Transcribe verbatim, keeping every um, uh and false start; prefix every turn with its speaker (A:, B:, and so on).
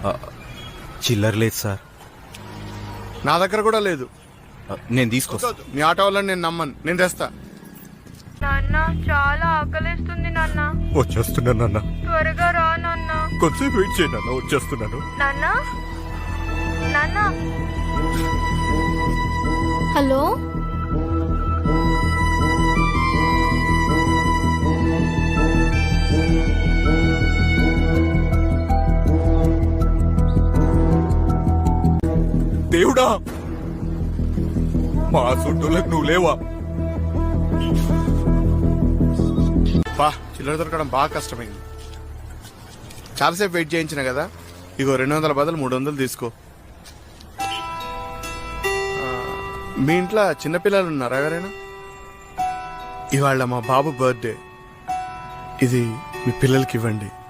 A: చిల్లర లేదు సార్.
B: నా దగ్గర కూడా లేదు.
A: ఆ, నేను తీసుకొస్తా.
B: మీ ఆటో వాళ్ళని నేను నమ్మను, నేను తెస్తా.
C: నాన్న చాలా ఆకలిస్తుంది నాన్న.
A: వచ్చేస్తున్నాను నాన్న.
C: త్వరగా రా నాన్న.
A: కొంచెం వెయిట్ చేయి నాన్న, వచ్చేస్తున్నాను.
C: నాన్న నాన్న.
D: హలో,
A: దేవుడా, మా చుట్టూలకు నువ్వు లేవా?
B: బా చిల్లర దొరకడం బాగా కష్టమైంది. చాలాసేపు వెయిట్ చేయించిన కదా, ఇగో రెండు వందల బదులు మూడు వందలు తీసుకో. ఆ, మీ ఇంట్లో చిన్నపిల్లలు ఉన్నారా ఎవరైనా? ఇవాళ మా బాబు బర్త్డే, ఇది మీ పిల్లలకి ఇవ్వండి.